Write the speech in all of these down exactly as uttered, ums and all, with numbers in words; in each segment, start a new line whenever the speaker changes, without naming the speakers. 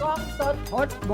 กล้องสด
พดบู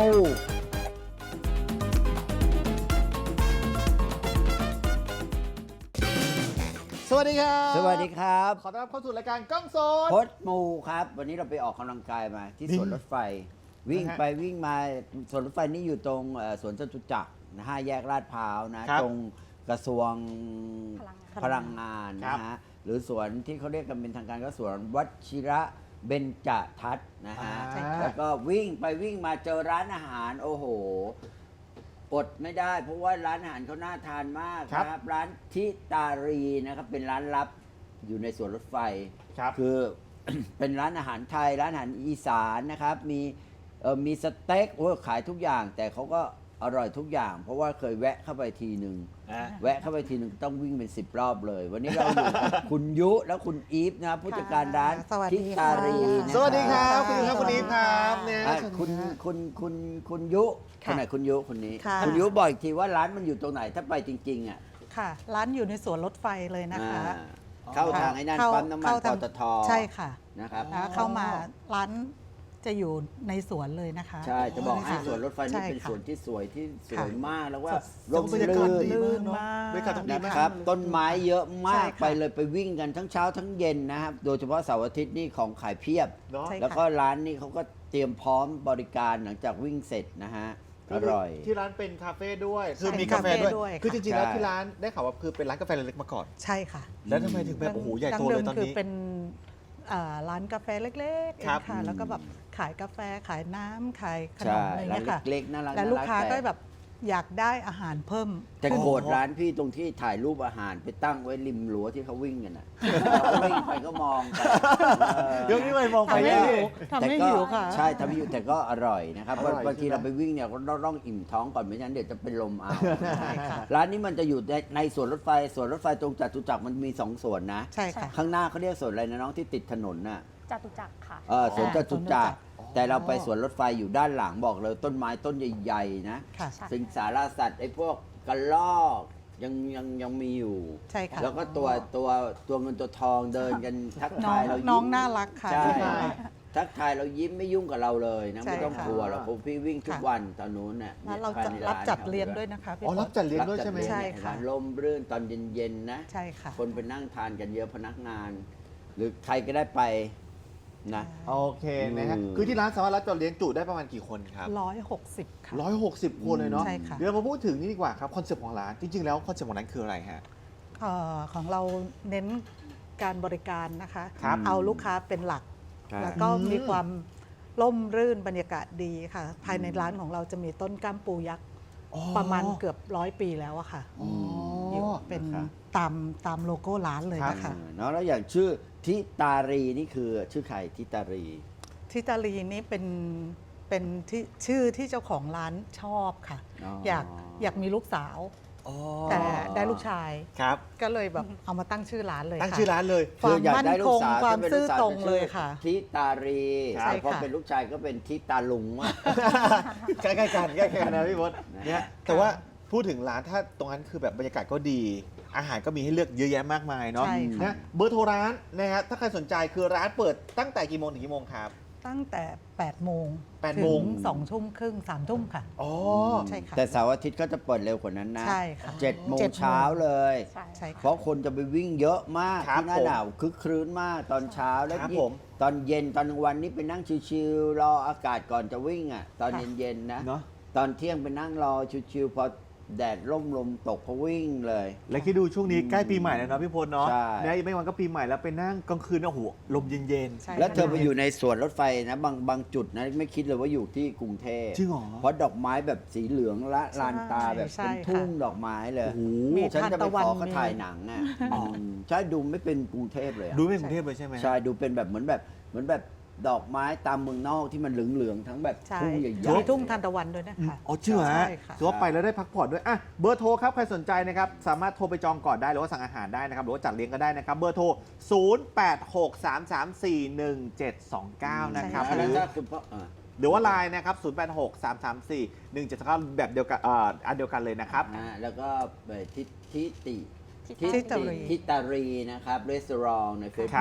สวัสดีครับ
สวัสดีครับ
ขอต้อนรับเข้าสู่รายการกล้องสด
พดมูครับ วันนี้เราไปออกกำลังกายมาที่สวนรถไฟ วิ่ง
นะฮะ
ไปวิ่งมาสวนรถไฟนี่อยู่ตรงเอ่อสวนจตุจักรนะฮะแยกลาดพร้าวนะ
ครับ
ตรงกระทรวงพลังงาน
ครั
นะ
บ
ฮะหรือสวนที่เขาเรียกกันเป็นทางการก็สวนวชิระเบญจทัศน์นะฮะ
ใช่ครับ
แล้วก็วิ่งไปวิ่งมาเจอร้านอาหารโอ้โหอดไม่ได้ เพราะว่าร้านอาหารเขาน่าทานมากนะครับร้านทิตารีนะครับเป็นร้านลับอยู่ในสวนรถไฟ
ครับ
คือ เป็นร้านอาหารไทย ร้านอาหารอีสานนะครับ มีเอ่อมีสเต็กโอ้ยขายทุกอย่าง แต่เขาก็อร่อยทุกอย่าง เพราะว่าเคยแวะเข้าไปทีหนึ่ง
อ่ะ
แวะเข้าไปทีหนึ่งต้องวิ่งเป็นสิบรอบเลย วันนี้เราอยู่กับ คุณยุและคุณอีฟนะครับผู้จัดการร้าน
สวัสดี
ทิ
ค่ะ
ตารีนะ
สวัสดีครับ
สวั
คุณ
สดี
ครับคุณอีฟครับเนี่ย
อ่ะ
เชิญ
คุณ
ฮะ
คุณคุณคุณยุค
ค่ะ
นไหนคุณยุคนนี้
ค่ะ
คุณยุบอกอีกทีว่าร้านมันอยู่ตรงไหนถ้าไปจริงๆอ่ะ
ค่ะ ร้านอยู่ในสวนรถไฟเลยนะคะ
อ่าเข้าทางไอ้นั่น
เข้า
ปั๊มน้ำมัน
เข้า
ป
ทาง
ตท
ใช่ค่ะ
นะครับ
แล้วเข้ามาร้านจะอยู่ในสวนเลยนะคะ
ใช่ จะบอกให้
ค่ะ
สวนรถไฟนี่
ใช่
เป็น
ค่ะ
สวนที่สวยที่สวย
ค่ะ
มากแล้วว่า
แล้
ร่
ว
ม
บรรยากาศ
รื่น
ดี
ลื่
มาก
น
เนาะ
มาก
บรรยากาศต้องดี
นะ
มาก
ครับ ต้นไม้เยอะมาก
ใช่ค่ะ
ไปเลยไปวิ่งกันทั้งเช้าทั้งเย็นนะครับ โดยเฉพาะเสาร์อาทิตย์นี่ของขายเพียบ
เนาะ
ใช่
แล้วก็ร้านนี่เขาก็เตรียมพร้อมบริการหลังจากวิ่งเสร็จนะฮะ อร่อย
ที่ร้านเป็นคาเฟ่ด้วย คือ
ใช่
มีกาแฟด้วย
คาเฟ่ด้วย
คือจริงๆแล้ว
ใช่
ที่ร้านได้ข่าวว่าคือเป็นร้านกาแฟเล็กๆมาก่อน
ใช่ค่ะ
แล้วทำไมถึงแบบโอ้โหใหญ่โตเลยตอน
ดั้งดิมคือ
นี้
เป็นอ่าร้านกาแฟเล็กๆเอ
ครั
ง
บ
ค่ะ แล้วก็แบบขายกาแฟขายน้ำขายขน
ใช่
มอะไร
ร้าน
เงี้ยค่ะ
เล็กๆน่ารัก
แล้วลูกค้า
น่รั
ก็แบบอยากได้อาหารเพิ่ม
แต่
ขึ้น
โกรธร้านพี่ตรงที่ถ่ายรูปอาหารไปตั้งไว้ริมรั้วที่เขาวิ่งกันน่ะเราก็วิ่งไปก็มองไปเออ
เดี๋ยวนี้ไปมองไป
ทำให้
ได้
หิวทำให้
แต่ก็
หิวค่ะ
ใช่ทำให้หิวแต่ก็อร่อยนะครับ
อร่อย
บางที
ใช่ไหม
เราไปวิ่งเนี่ยก็ต้องต้องอิ่มท้องก่อนไม่งั้นเดี๋ยวจะเป็นลมเอา
ใช่ค่ะ
ร้านนี้มันจะอยู่ในในสวนรถไฟสวนรถไฟตรงจตุจักรมันมีสองสวนนะ
ใช่ค่ะ
ข้างหน้าเขาเรียกสวนอะไรนะน้องที่ติดถนนน่ะ
จตุจักรค่ะ
เออสวนจตุจักร
อ๋อ
แต่เราไปสวนรถไฟอยู่ด้านหลังบอกเลยต้นไม้ต้นใหญ่ๆนะ
ค่ะ
ใช่
สิงสารสัตว์ไอ้พวกกระรอกยังยังยังมีอยู่
ใช่ค่ะ
แล้วก็ตัวตัวตัวเงินตัวทองเดินกันทัก
น้อ
ทาง ยเรายิ้ม
น้องน่ารักค่ะ
ใช่
ใช่
ทักทายเรายิ้มไม่ยุ่งกับเราเลยนะ
ใช่
ไม่ต้อง
ค่ะ
กลัวเราผมพี่วิ่งทุก
ค่ะ
วันตอนนู้นเนี่ย
แล้วเรา
ภย
จะ
ใน
รับ
น
จัด
ขา
เลี้ยงด้วยนะคะพี่
อ๋อรับจัดเลี้ยง
รับ
ด้วย
จั
ใช่ไหม
เลี้ง
ใช่
เนี่ย
ค่ะ
ลมรื่นตอนเย็นๆนะ
ใช่ค่ะ
คนไปนั่งทานกันเยอะพนักงาน หรือใครก็ได้ไปนะ
โอเคนะฮะ
อืม
คือที่ร้านสามารถรับจดเลี้ยงจุได้ประมาณกี่คนครับ
ร้อยหกสิบค่ะ
ร้อยหกสิบคนเลยเนาะ
ใช่ค่ะ
เดี๋ยวมาพูดถึงนี่ดีกว่าครับคอนเซ็ปต์ของร้าน จริงๆแล้วคอนเซ็ปต์ของร้านคืออะไรฮะ
เอ่อของเราเน้นการบริการนะคะ
ครับ
เอาลูกค้าเป็นหลัก
ใช่
แล้วก็
อืม
มีความร่มรื่นบรรยากาศดีค่ะ ภายในร้านของเราจะมีต้นก้ามปูยักษ์
อ๋อ
ประมาณเกือบร้อยปีแล้วอะค่ะ
อ๋อ
อยู่เป็น
นะครับ
ตามตามโลโก้ร้านเลย
ครับ
นะคะ
เออเนาะแล้วอย่างชื่อทิตารีนี่คือชื่อใครทิตารี
ทิตาลีนี่เป็นเป็นที่ชื่อที่เจ้าของร้านชอบค่ะ
อ๋อ
อยากอยากมีลูกสาว
อ๋อ
แต่ได้ลูกชาย
ครับ
ก็เลยแบบเอามาตั้งชื่อร้านเลย
ตั้ง
ค่ะ
ชื่อร้านเลย
ความ
คืออยาก
มั่น
ได้ลู
ค
ก
ง
สาว
ความ
ถ้เป็น
ซื่อ
ลูกสว
ตรง
จะ
เล
ชื่
ย
อ
ค่ะ
ทิตารี
ใช่
แต่พอ
ค่ะ
เป็นลูกชายก็เป็นทิตาลุงว่ะ
ใกล้ๆกันใกล้ๆกันนะพี่พศ
นะ
เนี่ยแต่ว่าพูดถึงร้านถ้าตรงนั้นคือแบบบรรยากาศก็ดี อาหารก็มีให้เลือกเยอะแยะมากมายเนาะ
ใช่ค่ะ
นะเบอร์โทรร้านนะฮะถ้าใครสนใจคือร้านเปิดตั้งแต่กี่โมงถึงกี่โมงครับ
ตั้งแต่แปดโมง
แปดโมง
ถึสองทุ่มครึ่งสามทุ่มค่ะ
อ๋อ
ใช่ค่ะ
แต่เสาร์อาทิตย์ก็จะเปิดเร็วกว่านั้นนะ
ใช่ค่ะ
เจ็ดโมง
เจ็ดโมง
เช้าเลย
ใช่
ใช่
เพ
ค่ะ
ราะคนจะไปวิ่งเยอะมาก
ครับ
ที่หน้า
ผม
หนาวคึกครื้นมากตอนเช้าแล้ว
ครับ
ยิ่ง
ผม
ตอนเย็นตอนกลางวันนี่ไปนั่งชิวๆรออากาศก่อนจะวิ่งอ่ะตอน
ค่ะ
เย็นๆนะ
เนาะ
ตอนเที่ยงไปนั่งรอชิวๆพอแดดร่มลมตกก็วิ่งเลย
แล้วคิดดูช่วงนี้ใกล้ปีใหม่แล้วเนาะพี่พลเนาะ
ใช่
เนี่ยอีกไม่วันก็ปีใหม่แล้วไปนั่งกลางคืนโอ้โหลมเย็น
ใช่
แล้วเธอไป
ค่ะ
อยู่ในสวนรถไฟนะบางบางจุดนะไม่คิดเลยว่าอยู่ที่กรุงเทพ
จริงเหรอ
เพราะดอกไม้แบบสีเหลืองละลานตาแบบ
ใช่
เป็น
ค่ะ
ทุ่งดอกไม้เลย
โอ้โห
มี
ฉันจะไป
ทานตะวั
ข
น
อเขา
มี
ถ่ายหนังอ่ะอืมใช่ดูไม่เป็นกรุงเทพเลยอะ
ดูไม่กรุงเทพเลยใช่ไหม
ใช่ดูเป็นแบบเหมือนแบบเหมือนแบบดอกไม้ตามเมืองนอกที่มันเหลืองๆทั้งแบบ
ใช่
ทุ่งใหญ่
มี
ๆ
ทุ่งทานตะวันด้วยนะคะ
อ๋อจริงเหรอฮะ
ใช่ค่ะ
ถือว่าไปแล้วได้พักผ่อนด้วยอ่ะเบอร์โทรครับใครสนใจนะครับสามารถโทรไปจองก่อนได้หรือว่าสั่งอาหารได้นะครับหรือว่าจัดเลี้ยงก็ได้นะครับเบอร์โทร ศูนย์ แปด หก สาม สาม สี่ หนึ่ง เจ็ด สอง เก้า นะครับ
อัน
ห
นั้
รื
น
อ
ถ้าคุณพ่ออ่า
หรือว่าไลน์นะครับ ศูนย์ แปด หก สาม สาม สี่ หนึ่ง เจ็ด สอง เก้า แบบเดียวกันเอ่ออันเดียวกันเลยนะครับ
อ่าแล้วก็ไปทิทิติ
ทิ
ทิ
ตา
ทิตารี
ทิตารีนะครับรีสอร์ทใน
ครับ
Facebook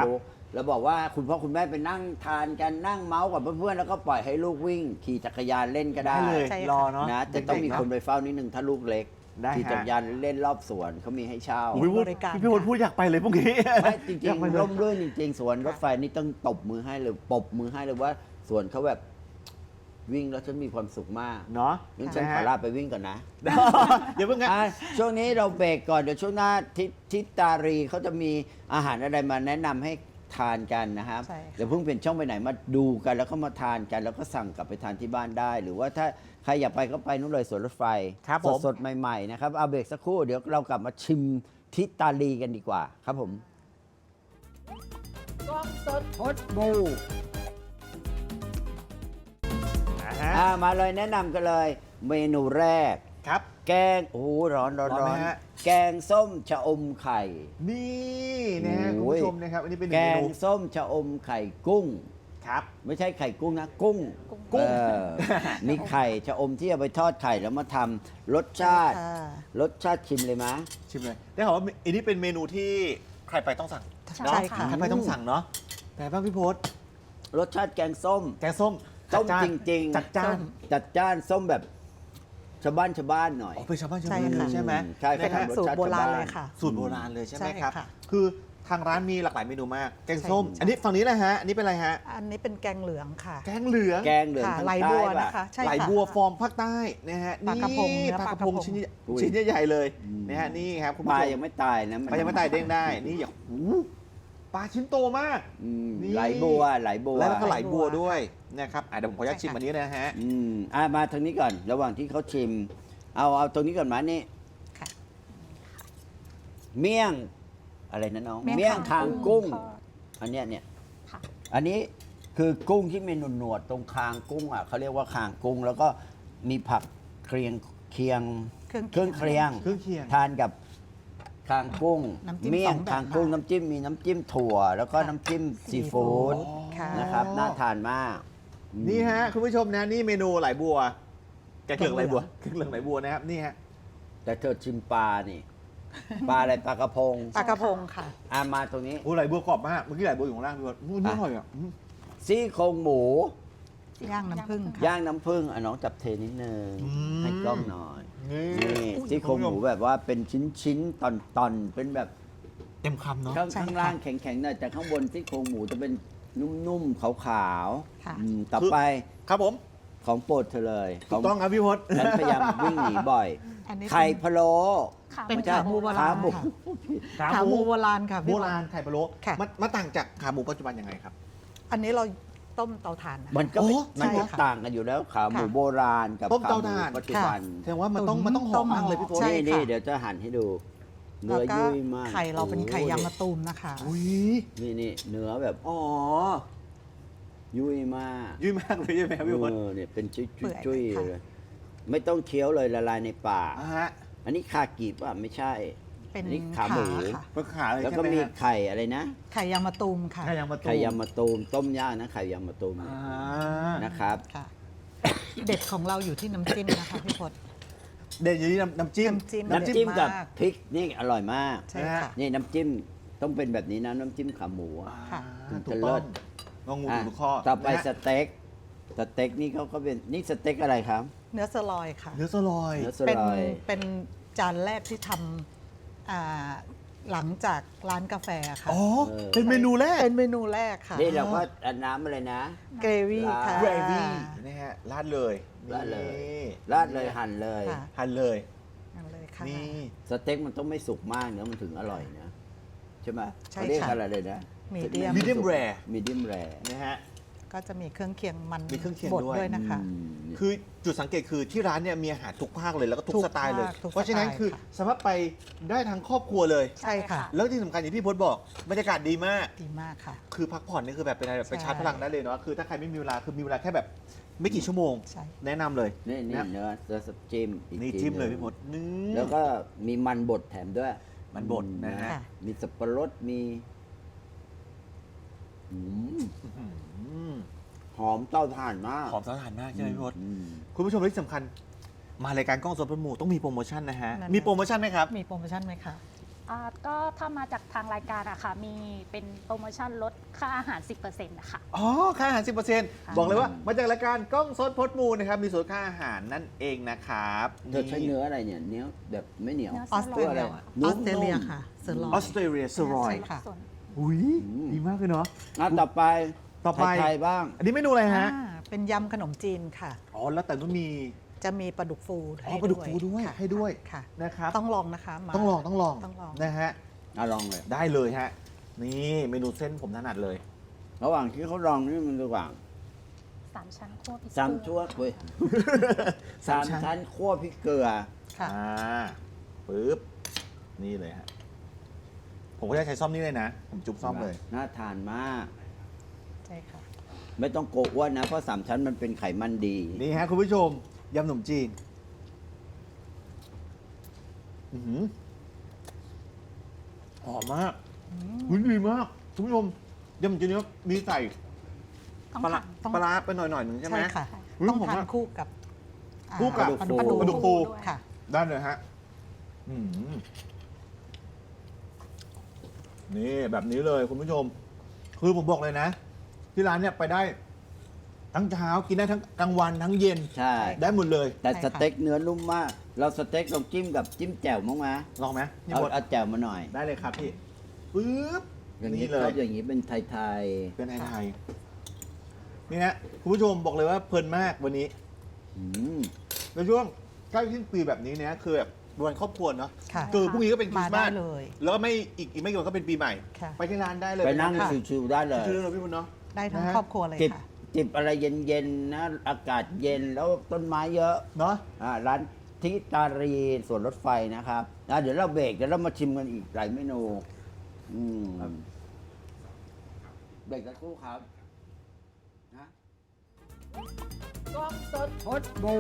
เราบอกว่าคุณพ่อคุณแม่ไปนั่งทานกันนั่งเมาส์กับเพื่อนๆแล้วก็ปล่อยให้ลูกวิ่ง ขี่จักรยานเล่นก็ได้
ได้เลย
ใช่ค่ะ
รอเนาะ
นะจะต้องมี
เด็กๆ
คนไปเฝ้านิดนึงถ้าลูกเล็ก
ได้
ขี่
ฮะ
จักรยานเล่นรอบสวนเขามีให้เช่า
อุ๊ยพูด
บริการ
พี่พลพูดอยากไปเลยพวกนี้
ไม่จริง
อยากไปเลย
ๆร่มรื่นจริงๆสวนรถไฟนี่ต้องตบมือให้เลยปรบมือให้เลยว่าสวนเขาแบบวิ่งแล้วฉันมีความสุขมาก
เนาะ
งั้นฉันขอลาไปวิ่งก่อนนะ
เดี๋ยวเพิ่งงั้น
อ่ะช่วงนี้เราเบรกก่อนเดี๋ยวช่วงหน้าทิทิตารีเขาจะมีอาหารอะไรมาแนะนำให้ทานกันนะครับ
ใช่ค่ะ
เดี๋ยวเพิ่งเป็นช่องไปไหนมาดูกันแล้วก็มาทานกันแล้วก็สั่งกลับไปทานที่บ้านได้ หรือว่าถ้าใครอยากไปก็ไปนู่นเลยสวนรถไฟ
ครับผม
สดๆใหม่ๆนะครับเอาเบรกสักครู่เดี๋ยวเรากลับมาชิมทิตารีกันดีกว่าครับผมกล้องสดพดบู
อ่าฮะ
อ่ามาเลยแนะนำกันเลย เมนูแรก
ครับ
แกงโอ้โหร้อนร้อน
ร้
ร้
อ
อน น
ไหมฮะ
แกงส้มชะอมไข่
นี่นะฮะคุณ
โอ้ย
ผู้ชมนะครับ อันนี้เป็นห
แก
นึ่งเม
ง
นู
ส้มชะอมไข่กุ้ง
ครับ
ไม่ใช่ไข่กุ้งนะ กุ้ง
กุ้ง
เออมีไข่ชะอมที่เอาไปทอดไข่แล้วมาทำรสชาติ
ค่ะ
รสชาติชิมเลยมะ
ชิมเลย ได้ข่าวว่าอันนี้เป็นเมนูที่ใครไปต้องสั่ง
ใช่
เนาะ
ค่ะ
ใครไปต้องสั่งเนาะแต่บ้างพี่พศ
รสชาติแกงส้ม
แกงส้ม
ส้ม
จัด
จ
จ้าน
ริงๆ
จัดจ้าน
จัดจ้านส้มแบบชาวบ้านชาวบ้านหน่อย
อ๋อเป็นชาวบ้านชาว
ใช่
เมือง
ค่ะ
ใช่ไหม
ใช่ค
เป็
รั
น
บ
สูตรโบราณเลยค่ะ
สูตรโบราณเลยใช่ไหม
ใช่
ครับ
ค่ะ
คือทางร้านมีหลากหลายเมนูมาก แกงส้ม
ใช่
อันนี้ฝั่งนี้แหละฮะ อันนี้เป็นอะไรฮะ
อันนี้เป็นแกงเหลืองค่ะ
แกงเหลือง
แกงเหลือง
ค่ะ
ทาง
ไหล
ใต้
บัว
ป่ะ
นะคะใช่
ไหล
ค่ะ
บัวฟอร์มภาคใต้นะฮะ
ปลากระพง
นี่
เนื้อ
ปลากระพง
ปลากระพง
ชิ้นใหญ่
อุ้ย
ชิ้นใหญ่ๆเลย
อืม
นะฮะนี่ครับคุณ
ปลา
ผู้ชม
ยังไม่ตายนะ
ปลายังไม่ตายเด้งได้ นี่อย่าหูปลาชิ้นโตมาก
อืม
นี่
ไหลบัวไหลบัว
แล้วก็ไหลบัว
ไหลบัว
ด้วยนะครับอ่ะเดี๋ยวผมขออนุญาต
ใช่
ชิม
ค่ะ
อันนี้นะฮะ
อืมอ่ะมาทางนี้ก่อน ระหว่างที่เขาชิม เอาเอาตรงนี้ก่อนมานี่
ค่ะ
เมี่ยง อะไรนะน้อง
เมี่ยง
คา
คาง ง
กุ้ง
ทอด
อันเนี้ยเนี่ย
ค่ะ
อันนี้คือกุ้งที่มีหนวดๆตรงคางกุ้งอ่ะเขาเรียกว่าคางกุ้ง แล้วก็มีผักเคียงเคียง
เครื่อง
เครื่องเคียง
เครื่องเคียง
ทานกับคางกุ้ง
น้ำจิ้ม
เมี่ย
ส
ง
องแบบ
คางกุ้ง
ค่ะ
น้ำจิ้มมีน้ำจิ้มถั่ว แล้วก็
ค่ะ
น้ำจิ้มซี
ซีฟู้
ฟู้ด
ดค่ะ
นะครับน่าทานมาก
นี่ฮะคุณผู้ชมนะนี่เมนูไหลบัว แกงเหลืองไหล
แกงเหลื
บัว
อง
แกงเหลืองไหลบัวนะครับนี่ฮะ
แต่เธอชิมปลานี่ ปลาอะไรปลากระพง
ปลากระพงค่ะ
อ่ะมาตรงนี้
โอ้ไหลบัวกรอบมากเมื่อกี้ไหลบัวอยู่ข้างล่างพี่บอลอู้นี่อร่อยอ่ะอืม
ซี่โครงหมู
ย่างน้ำผึ้งค่ะ
ย่างน้ำผึ้งอ่ะน้องจับเทนิดนึง
อืม
ให้กล้องหน่อย
นี่
นี่ซี่โครงหมูแบบว่าเป็นชิ้นชิ้นๆตอนตอนๆเป็นแบบ
เต็มคำเนาะ
ข้าง
ใช่
ข้าง
ค่ะ
ล่างแข็งๆหน่อยแต่ข้างบนซี่โครงหมูจะเป็นนุ่มๆขาว
ค่ะ
ๆอืมต่อไป
ครับผม
ของโปรดเธอเลย
ถูกต้องครับพี่พศ
ฉันพยายามวิ่งหนีบ่อย
อันนี้
ไข่พะโล้
ค่ะ
เป็น
ไม่ใช่
ขาหมูโบรา
ขา
ณ
หมู
ค่ะขาหมูโบราณค่ะ
โบ
พี่บอล
ราณไข่พะโล้
ค่ะ
มันมันต่างจากขาหมูปัจจุบันยังไงครับ
อันนี้เราต้มเตาถ่านนะ
มันก็ไม่
โอ้
มันก็
ใช่ค่ะ
ต่างกันอยู่แล้วขาหมู
ค่ะ
โบราณกับ
ต้ม
ขา
เตา
หมู
ถ่าน
ปัจจุบัน
แสดงว่ามันต้องมันต้องหอมมากเลยพี่พศ
ใช่
นี่
ค่ะ
นี่เดี๋ยวจะหั่นให้ดู เนื้
แล้ว
อ
ก็
ยุ่ยมาก
ไข่เราเป็นไข่
โอ้
ยางมะตูมนะคะ
อุ้ย
นี่นี่เนื้อแบบอ๋อยุ่ยมาก
ยุ่ยมากเลยใช่ไหมครับพี่พศ
เออเนี่ยเป็นจุย
เปื่อย
จุย
ค่ะ
เลยไม่ต้องเคี้ยวเลยละลายในปาก
อ่าฮะ
อันนี้คากิป่ะไม่ใช่
เป็น
อันนี้ขา
ขา
หมู
ค่ะ
ก็ขาเลย
แล้ว
ใช่
ก็
ไหม
มี
ฮะ
ไข่อะไรนะ
ไข่ยางมะตูมค่ะ
ไข่ยางมะตูม
ไข่ยำมะตูมต้มย่างนะไข่ยำมะตูม
อ่า
นะครับ
ค่ะ เด็ดของเราอยู่ที่น้ำจิ้มนะคะพี่พศ
เด่นอยู่ที่น้ำน้ำจิ้ม
น้ำจิ้ม
น้ำจิ้มกับ
มาก
พริกนี่อร่อยมาก
ใช่ค่ะ
นี่น้ำจิ้มต้องเป็นแบบนี้นะน้ำจิ้มขาหมูอะ
ค่ะ
อ่า
ถึ
ถู
ง
ก
จะเลิ
ต้อง
ศ
งองู
อ่ะ
ถูกข้อ
ต่อไป
นะ
ส
ฮะ
เต็กสเต็กนี่เขาก็เป็นนี่สเต็กอะไรครับ
เนื้อสลอยค่ะ
เนื้อสลอย
เนื้อส
เป็น
ลอย
เป็นจานแรกที่ทำอ่าหลังจากร้านกาแฟค่ะ
อ๋อ เป็นเมนูแรก
เป็นเมนูแรกค่ะ
นี่เราก็อันน้ำอะไรนะ
เกรวี่ค่ะ
เกรวี่นะฮะราดเลย
ราดเลย
นี่
ราดเลยหั่นเลย
ค่ะ
หั่นเลย
นั่นเลยค่ะ
นี่
สเต็กมันต้องไม่สุกมากเนื้อมันถึงอร่อยนะใช่ไหม
ใช่
เขาเรียก
ค่ะ
อะไรเลยนะ
Medium
มีเดียมแร
มีดิมแร
นะฮะ
ก็จะมีเครื่องเคียงมัน
มีเครื่องเคียง
บด
ด้วย
ด้วยนะคะ
คือจุดสังเกตคือที่ร้านเนี่ยมีอาหารทุกภาคเลยแล้วก็ทุ
ทุ
ก
ก
สไตล์เลย
ภาคทุก
เพราะฉะนั้น
สไตล์
คือ
ค่ะ
สามารถไปได้ทั้งครอบครัวเลย
ใช่ค่ะ
แล้วที่สำคัญอย่างที่พจน์บอกบรรยากาศดีมาก
ดีมากค่ะ
คือพักผ่อนนี่คือแบบเป็นอะไรแบบไป
ใช่
ชาร์จพลังได้เลยเนาะคือถ้าใครไม่มีเวลาคือมีเวลาแค่แบบไม่กี่ชั่วโมง
ใช่
แนะนำเลย
นี่นี่
นะ
เนื้อเนื้อสับจิ้มอีก
นี่
ที
จิ้มเลย
หนึ่
พี่
ง
พจน์นี่
แล้วก็มีมันบดแถมด้วย
มันบดนะฮะ
ค่ะ
มีสับปะรดมีอืม
อืม
หอมเต้าถ่านมาก
หอมสะอาดมากใช่ไหมพี่พจน์
อืม
คุณผู้ชมที่สำคัญ มารายการกล้องสดพระหมูต้องมีโปรโมชั่นนะฮะ
นั่น
มีโปรโมชั่นไหมครับ
มีโปรโมชั่นไหมคะ
อ่าก็ถ้ามาจากทางรายการอะค่ะ มีเป็นโปรโมชั่นลดค่าอาหาร สิบเปอร์เซ็นต์ นะคะ
อ๋อ ค่าอาหาร สิบเปอร์เซ็นต์
ค่ะ
บอกเลยว่ามาจากรายการกล้องสดพดมูลนะครับ มีส่วนค่าอาหารนั่นเองนะครับ
เธอใช้เนื้ออะไรเนี่ยเนื้อแบบไม่เหนียว
เนื้อ
ออสเตรเลีย
สโลว์
ออสเตรเลียค่ะเซอร์ลอ
ออย สเตรเลียสรอย
ใช่ค่ะ
ส่วน
อุ้ย
อืม
ดีมากเลยเนาะ
อ่ะต่อไป
ต่อไป
ไทยๆบ้าง
อันนี้เมนูอะไรฮะ
อ่าเป็นยำขนมจีนค่ะ
อ๋อ แล้วแต่ก็มี
จะมีปลาดุกฟู
อ๋อ
ให้
ปลาดุกฟูด้วย
ค่ะ
ให้ด้วย
ค่ะ
นะครับ
ต้องลองนะคะมา
ต้องลองต้องลอง
ต้องลอง
นะฮะ
อ่ะลองเลย
ได้เลยฮะ นี่เมนูเส้นผมถนัดเลย
ระหว่างที่เขาลองนี่มันระหว่าง
สามชั้นคั่วพริก
สามชั่วเว้ยสามชั้นคั่วพริกเกลือ
ค่ะ
อ่าปึ๊บ นี่เลยฮะ ผมก็จะใช้ซ่อมนี่เลยนะ ผมจุ๊บซ่อมเลย
น่าทานมาก
ใช่ค่ะ
ไม่ต้องโกะอ้วนนะ เพราะสามชั้นมันเป็นไขมันดี
นี่ฮะ คุณผู้ชมยำขนมจีน อื้อหือหอมมากหุ้ยดีมาก คุณผู้ชมยำขนมจีนเนี้ยมีใส่
ต้อง
ปลาร้า
ทาน
ต้อง
ปลาร้าไปหน่อยๆหนึ่งใช่ไหม
ใช่ค่ะ
อุ๊ย
ต้อง
ผม
ทาน
ว่า
คู่กับอ่า
คู่กับ
ปลาดุกฟู
ปลาดุกฟู
ด้วย
ค่ะ
ได้เลยฮะอืมนี่แบบนี้เลยคุณผู้ชม คือผมบอกเลยนะ ที่ร้านเนี่ยไปได้ ทั้งเช้ากินได้ทั้งกลางวันทั้งเย็น
ใช่
ได้หมดเลย
แต่
ใช่
ส
ค่ะ
เต็กเนื้อนุ่มมาก เราสเต็กลองจิ้มกับจิ้มแจ่วมั้งไหม
ลองไหมพี่
เอา
พศ
เอาแจ่วมาหน่อย
ได้เลยครับพี่ปึ๊บ
อย่างนี้
นี่เล
ชอย บอย่างนี้เป็นไทย
เป็นไทยไทยนี่ฮะคุณผู้ชมบอกเลยว่าเพลินมากวันนี้
ๆอืม
ในช่วงใกล้สิ้นปีแบบนี้เนี่ยคือแบบวันครอบครัวเนาะ
ค่ะ
คือพรุ่งนี้ก็เป็นคริ
มา
สต์
ได้
มาส
เลย
แล้วก็ไม่อีกอีกไม่กี่วันก็เป็นปีใหม่
ค่ะ
ไปที่ร้านได้เลย
ไปนั่ง
ค่ะ
ชิวๆได้เลย
ชื่อเราพี่บุญเนาะ
ได้ทั้ง
นะฮะ
ครอบครัวเลย
จิบ
ค่ะ
จิบอะไรเย็นๆนะ อากาศเย็นแล้วต้นไม้เยอะ
เนาะ
อ่าร้านทิตารีสวนรถไฟนะครับอ่ะเดี๋ยวเราเบรกเดี๋ยวเรามาชิมกันอีกหลายเมนูอืมเบรกสักครู่ครับนะกล้องสดพดบู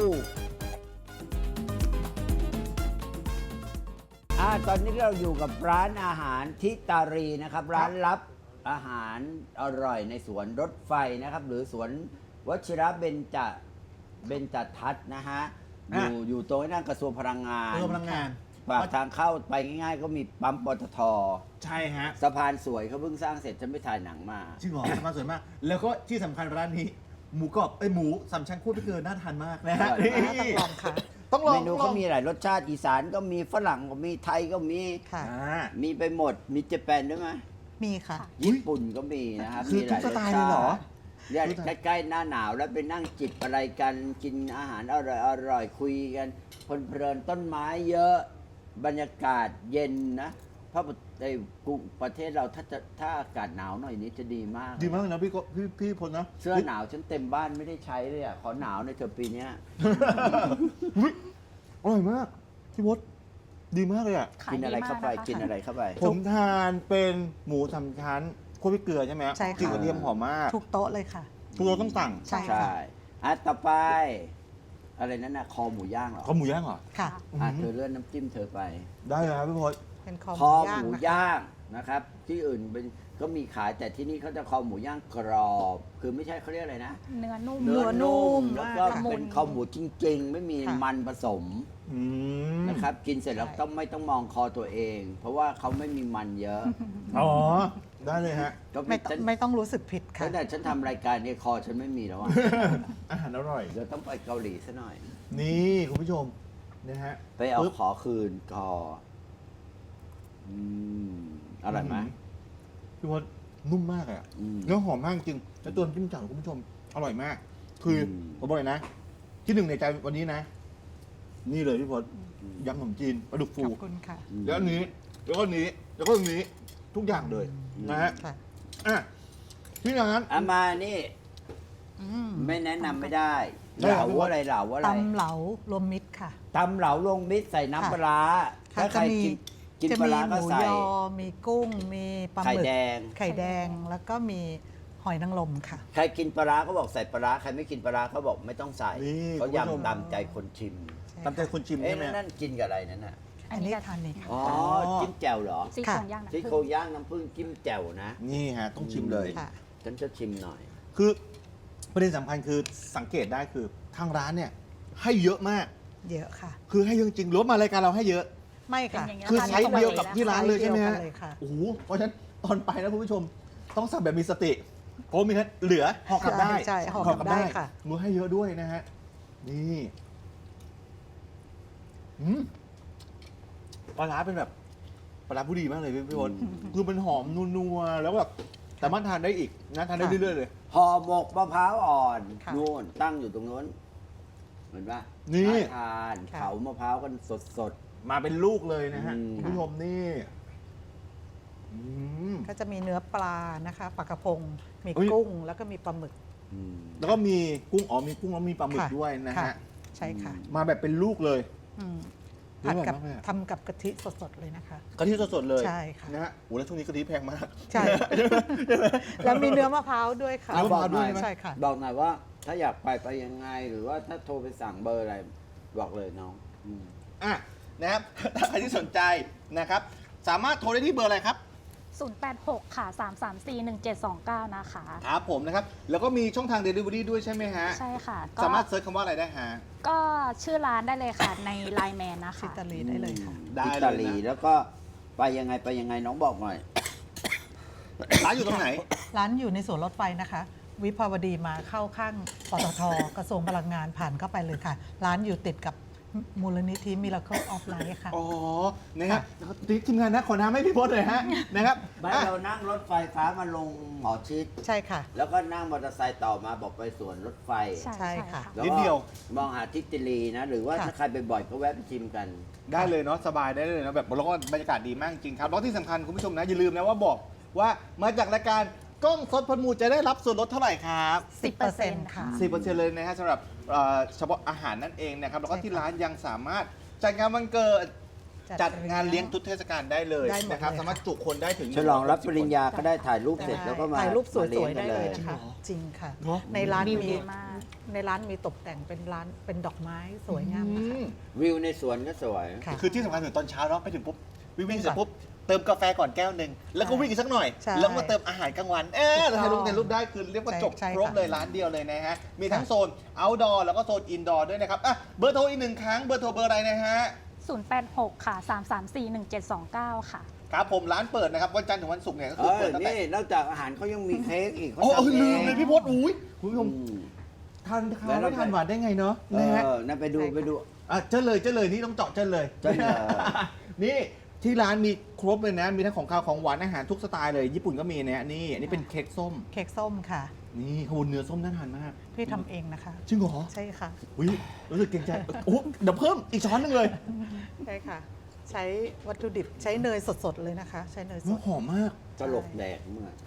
อ่าตอนนี้เราอยู่กับร้านอาหารทิตารีนะครับ ร้านลับอาหารอร่อยในสวนรถไฟนะครับ หรือสวนวชิระเบญจเบญจทัศน์นะฮะ อยู่อยู่ตรงนั้นกระทรวงพลังงาน
เรื่องพลังงาน
ปากทางเข้าไปง่ายๆ ก็มีปั๊มปตท
ใช่ฮะ
สะพานสวยเขาเพิ่งสร้างเสร็จฉันไปถ่ายหนังมา
จริงเหรอสมาสวยมาก แล้วก็ที่สำคัญร้านนี้ หมูกรอบไอยหมูสามชั้นคั่วพริกเกลือน่าทานมากนะฮะ
อร่อยมาก
นี่
ต้องลองค่ะ
ต้องลอง
เมนู
ต้องล
เขา
อง
มีหลายรสชาติอีสานก็มีฝรั่งก็มีไทยก็มี
ค่ะ
อ่า
มีไปหมดมีเจแปนด้วยไหม
มีค่ะ
อุ๊ย
ญี่ปุ่นก็มีนะครับ
คือ
มีหลาย
ทุกส
รส
ไตล์
ชา
เลยเหรอ
ติเนี่ยใกล้ๆหน้าหนาวแล้วไปนั่งจิบอะไรกันกินอาหารอร่อยอร่อยคุยกันเพลินๆต้นไม้เยอะบรรยากาศเย็นนะเพราะในกรุงประเทศเราถ้าจะถ้าอากาศหนาวหน่อยนี้จะดีมาก
ดีมากเลยนะพี่ก็พี่พี่พลนะ
เสื้อหนาวฉันเต็มบ้านไม่ได้ใช้เลยอ่ะ ขอหนาวในอยเธอะปีเนี้ย
อุ๊ยอร่อยมาก พี่พศดีมากเลยอ่ะ
ขาย
กิน
ดี
อะไร
มาก
เข้าไป
นะคะ
กินอะไรเข้าไป
ผมทานเป็นหมูสามชั้นคั่วพริกเกลือใช่ไหม
ใช่ค่ะ
กลิ่นกระเทียมหอมมาก
ทุกโต๊ะเลยค่ะ
ทุกเราต้องสั่ง
ใช่
ใช่
ค่ะ
อ่ะต่อไป อะไรนั่นน่ะคอหมูย่างเหรอ
เขาหมูย่างเหรอ
ค่ะ
อ่ะเธอเลื่อนน้ำจิ้มเธอไป
ได้เลยครับพี่พศ
เป็นคอห
ค
มู
อห
ย่าง
มู
นะคะ
ย่างนะครับ ที่อื่นเป็นก็มีขายแต่ที่นี่เขาจะคอหมูย่างกรอบ คือไม่ใช่เขาเรียกอะไรนะ
เนื้อนุ่ม
เนื้อนุ่ม
แล้วก็
มากค่ะ
เป็นคอหมูจริง ๆ ไม่มี
ค่ะ
มันผสม
อืม
นะครับ กินเสร็จแล้ว
ใช่
ต้องไม่ต้องมองคอตัวเอง เพราะว่าเขาไม่มีมันเยอะ
อ๋อ ได้เลยฮะ
ก็
ไม่
ไม่
ต้อง
ฉัน
ไม่ต้องรู้สึกผิดค่ะ
ตั้งแต่ฉันทำรายการเนี่ยคอฉันไม่มีแล้วอ่ะ
อาหารอร่อย
เดี๋ยวต้องไปเกาหลีซะหน่อย
นี่คุณผู้ชมนะฮะ
ไปเอา
ปึ๊บ
ขอคืนคออืมอร่อยไหม
พี่พศนุ่มมากอะ
อืม
เนื้อหอมมากจริงแล้วตัวน้ำจิ้มจั่วคุณผู้ชม อร่อยมาก คืออ
ม
ผมบอกเลยนะ ที่หนึ่งในใจวันนี้นะ นี่เลยพี่พศยำขนมจีนปลาดุกฟู
ขอบคุณค่ะ
แล้วอันนี้ แล้วก็อันนี้ แล้วก็อันนี้ ทุกอย่างเลยนะฮะ
ค่ะ
อ่ะที่ร้าน
อามานี่
อืม
ไม่แนะนำไม่ได้
ได้
เห
ครั
ลา
บ
อะไรเหลาอะไร
ตำเหลารวมมิตรค่ะ
ตำเหลาลงมิตรใส่น้ำปลาร้า
ค่ะ
ถ้าใคร
จะมี
กินกิน
จะ
ปลา
มี
ร้า
ห
ก็
มู
ใส่
ยอ มีกุ้ง มีปลาห
ไข่
มึก
แดง
ไข่แดง แล้วก็มีหอยนางรมค่ะ
ใครกินปลาร้าก็บอกใส่ปลาร้าใครไม่กินปลาร้าเขาบอกไม่ต้องใส่
นี่
เขา
คุณผู้ชม
ยำตามใจคนชิม
ตามใจคนชิม
เอ๊ะ
ใช่ไหม
นั่นกินกับอะไรนั่นน่ะ
อั
อั
น
น
นี้
นี้
จะ
ทานนี่ค่ะ
อ๋อ
อ๋อ
จิ้มแจ่วเหรอ
ซี่โครงย่างนะ
ที่โครงย่างน้ำผึ้งจิ้มแจ่วนะ
นี่ฮะ ต้องชิมเลย
ค่ะ
ฉันจะชิมหน่อย
คือประเด็นสำคัญคือสังเกตได้คือทางร้านเนี่ย ให้เยอะมาก
เยอะค่ะ
คือให้เยอะจริงรวมมารายการเราให้เยอะ
ไม่
เป็น
ค่ะ
อย่างเงี้ย
คือ
ค่ะ
ไซส์เดียวกับที่ร้านเลยใช่ไหม
ไซส์
ฮะ
เดียวกันเลยค่ะ
โอ้โหเพราะฉะนั้นตอนไปนะคุณผู้ชมต้องสั่งแบบมีสติเพราะมีแค่เหลือห่อกลับได้
ใช่ใช่ห่อกลับได้ค่ะ
มือให้เยอะด้วยนะฮะนี่อืมปลาร้าเป็นแบบปลาร้าผู้ดีมากเลยพี่พี่พลคือมันหอมนัวๆแล้วแบบสามารถทานได้อีกนะทานได้เรื่อยๆเลย
ห่อหมกมะพร้าวอ่อน
ค่ะ
นู่นตั้งอยู่ตรงนู้นเห็นปะ
นี่
าทาน
ค่ะ
เผามะพร้าวกันสด
มาเป็นลูกเลยนะฮะ
อืม
คุณผู้ชมนี่อืม
ก็จะมีเนื้อปลานะคะปลากระพง มี
เอ้ย
กุ้งแล้วก็มีปลาหมึก
ๆอืม
แล้วก็มีกุ้งอ๋อมีกุ้งแล้วมีปลาหมึก
ค่ะ
ด้วยนะ
ค่
ฮะ
ใช่ค่ะ
มาแบบเป็นลูกเลย
อืม
เดี๋ยว
ผัดกับ
ก่อนนะแม่
ทำกับกะทิสดๆเลยนะคะ
กะทิสดๆเลย
ใช่ค่ะ
นะฮะโอ้แล้วช่วงนี้กะทิแพงมาก
ใช่ แล้วมีเนื้อมะพร้าวด้วยค่ะ
เนื้อมะพร้าวด้วย
ใช่ค่ะ
บอกหน่อยว่า ถ้าอยากไปไปยังไง หรือว่าถ้าโทรไปสั่งเบอร์อะไร บอกเลยน้องอืม
อ่ะนะครับ ถ้าใครที่สนใจนะครับ สามารถโทรได้ที่เบอร์อะไรครับ
ศูนย์ แปด หก ค่ะ สาม สาม สี่ หนึ่ง เจ็ด สอง เก้า นะคะ
ครับผมนะครับ แล้วก็มีช่องทาง Delivery ด้วยใช่ไหมฮะ
ใช่ค่ะ ก็
สามารถเซิร์ชคำว่าอะไรได้ฮะ
ก็ชื่อร้านได้เลยค่ะ ในไลน์แมนนะ
ซิ
คะ
ตาลีได้เลยค่ะ
ได้เลยนะ
อิตาลีแล้วก็ไปยังไงไปยังไงน้องบอกหน่อย
ร้านอยู่ตรงไหน
ร้านอยู่ในสวนรถไฟนะคะ วิภาวดีมาเข้าข้างปตท กระทรวงพลังงานผ่านเข้าไปเลยค่ะ ร้านอยู่ติดกับมูลนิธิ Miracle of Life ค่ะ
อ๋อ นะครับทีมงานนะขอน้ำให้พี่พจน์เลยฮะ นะครับ
บ้าน
อ่ะ
เรานั่งรถไฟฟ้ามาลงหมอชิด
ใช่ค่ะ
แล้วก็นั่งมอเตอร์ไซค์ต่อมาบอกไปสวนรถไฟ
ใช่
ใช่ค่ะ
แล้
นิดเดียว
มองหาทิติลีนะ หรือว่า
ค่ะ
ถ้าใครไปบ่อยก็แวะไปชิมกัน
ได้เลยเนาะสบายได้เลยเนาะแบบแล้วก็บรรยากาศดีมากจริงครับแล้วที่สำคัญคุณผู้ชมนะอย่าลืมนะว่าบอกว่ามาจากรายการกล้องสดพลมูลจะได้รับส่วนลดเท่าไหร่ครับ
สิบเปอร์เซ็นต์
ค่ะ
สิบเปอร์เซ็นต์เลยนะฮะสำหรับเอ่อเฉพาะอาหารนั่นเองนะครับแล้วก็
ใช่ค่ะ
ที่ร้านยังสามารถจัดงานวันเกิด
จั
จั
ด
ดงานเลี้ยงทุกเทศกาลได้เลย
ได้หมด
นะครับ
เลย
สามารถจุคนได้ถึง
ฉลองรับปริญญาก็ได้ถ่ายรูปเสร็จ
ได้
แล้วก็มา
ถ่ายรูปส
มาเลี้
วย
ง
ๆ
กั
ได้
น
เลย
ย
นะคะ จริงค่ะ
เนอะ
ในร้าน
วิว
มี
ดีมาก
ในร้านมีตกแต่งเป็นร้านเป็นดอกไม้สวยงาม
อื
นะคะ
ม
วิวในสวนก็สวย
ค่ะ
คือที่สำคัญถึงตอนเช้าเนาะไปถึงปุ๊บวิ่งวิ่ง
วิ่ง
เสร็จ
ก่อน
ปุ๊บเติมกาแฟก่อนแก้วหนึ่งแล้วก็วิ่งอีกสักหน่อย
ใช่
แล้วมาเติมอาหารกลางวันเออ
ถูกต้อง
ถ่ายรูปถ่ายรูปได้คือเรียกว่า
ใช่
จบ
ใช่
ครบ
ค่ะ
เลยร้านเดียวเลยนะฮะมีทั้ง
ค่ะ
โซน outdoor แล้วก็โซน indoor ด้วยนะครับอ่ะเบอร์โทรอีกหนึ่งครั้งเบอร์โทรเบอร์อะไรนะฮะ
ศูนย์ แปด หก ค่ะ สาม สาม สี่ หนึ่ง เจ็ด สอง เก้า ค่ะ
ครับผมร้านเปิดนะครับวันจันทร์ถึงวันศุกร์เนี่ยก็
เอ
คือ
อ
เปิดตั้งแต่
นี่นอกจากอาหารเขายังมีเค้กอีกเขา
โอ้เออ
ทำเอ
ลืม
ง
เลยพี่พจน์อุ้ยคุณผู้ชม
อืม
ทานข้าว
แล้วเรา
ไม่ทานหวานได้ไงเนาะ
เอ
นะฮะ
อนั่นไปดู
ใช่ค่ะ
ไปดู
อ่ะเจ้าเลยเจ้าเลยนี่ต้องเจาะเจ้าเลย
เจ้าเลย
นี่ที่ร้านมีครบเลยนะ มีทั้งของข้าวของหวานอาหารทุกสไตล์เลย ญี่ปุ่นก็มีนะนี่อันนี้เป็นเค้กส้ม
เค้กส้มค่ะ
นี่ขบวนเนื้อส้มน่าทานมาก
พี่ทำเองนะคะ
จริงเหรอ
ใช่ค่ะ
อุ้ยรู้สึกเกรงใจโอ้เดี๋ยวเพิ่มอีกช้อนหนึงเลย
ใช่ค่ะ ใช้วัตถุดิบใช้เนยสดๆเลยนะคะ ใช้เนยส
น้อ
ด
หอมมาก
ตลกแดกเมื่อ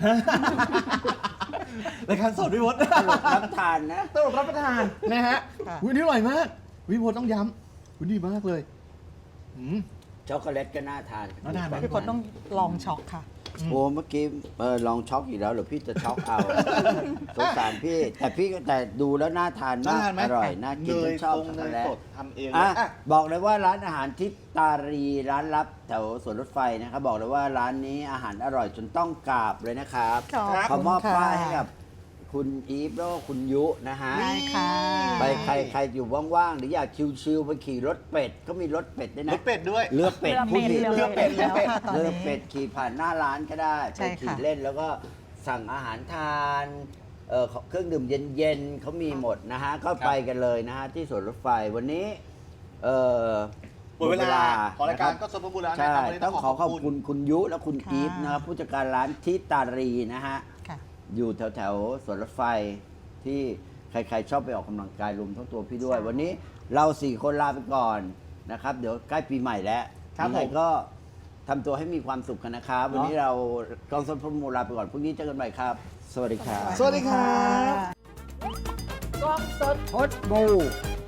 รายการสดพี่พจน์
ตลกรับทานนะ
ตลกรับประทานนะฮะ
ค่ะ
อุ้ยนี่อร่อยมากพี่พจน์ต้องย้ำอุ้ยดีมากเลยอืม
ช็อกโกแลตก็น่าทาน
น่าทานไหม
พี่พลต้องลองช็อกค่ะ
โอ้เมื่อกี้เออลองช็อกอีกแล้วเหรือพี่จะช็อกเอา สงสารพี่ แต่พี่ก็แต่ดูแล้วน่าทาน
น่าม
าก
ทานไหม
อร่อยน่ากิน
เน
ฉั
ย
นชอบ
ตรง
ช็อก
เน
โกแล
ย
ต
สดทำเองเลย
อ่ะ
อ่ะ
บอกเลยว่าร้านอาหารทิพตารีร้านลับแถวสวนรถไฟนะครับบอกเลยว่าร้านนี้อาหารอร่อยจนต้องกราบเลยนะครับ
ขอบคุณ
ขอมอบ
ค่ะ
ป้ายให้กับคุณอีฟแล้วก็คุณยุนะฮะ
ได้ค่ะ
ไปใครใครอยู่ว่างๆหรืออยากชิวๆไปขี่รถเป็ดก็มีรถเป็ดด้วย
ร
นะ
สเป็ดด้วย
เรือเป็ด
เรือเป็ด
ผู้หญิง
เรือเป็ด
เรือเป็ด
แล้วค่ะตอน
เรือ
นี้
เป็ดขี่ผ่านหน้าร้านก็ได้
ใช่
ไป
ค่ะ
ขี่เล่นแล้วก็สั่งอาหารทานเอ่อเครื่องดื่มเย็นๆเขามีหมดนะฮะ ก็ไปกันเลยนะฮะ ที่สวนรถไฟวันนี้เอ่อ
หมดเวลาของรายการ
นะค
ก็
บ
สมบูรณ์แล้วนะ
ใช่
ครับวันนี้
ต้องขอขอบคุณคุณยุและคุณ
ค่ะ
อีฟนะครับผู้จัดการร้านทิตารีนะฮะ
ค่ะ
อยู่แถวแถวๆสวนรถไฟที่ใครๆชอบไปออกกำลังกายรวมทั้งตัวพี่ด้วย
ใช่
วันนี้เราสี่คนลาไปก่อนนะครับ เดี๋ยวใกล้ปีใหม่แล้ว
ครับ
ยังไง
ผม
ก็ทำตัวให้มีความสุขกันนะครับ วันนี้เรากองสนพมูลลาไปก่อนพรุ่งนี้เจอกันใหม่ครับ สวัสดีครับ
สวัสดีครับ
กองสดพดบู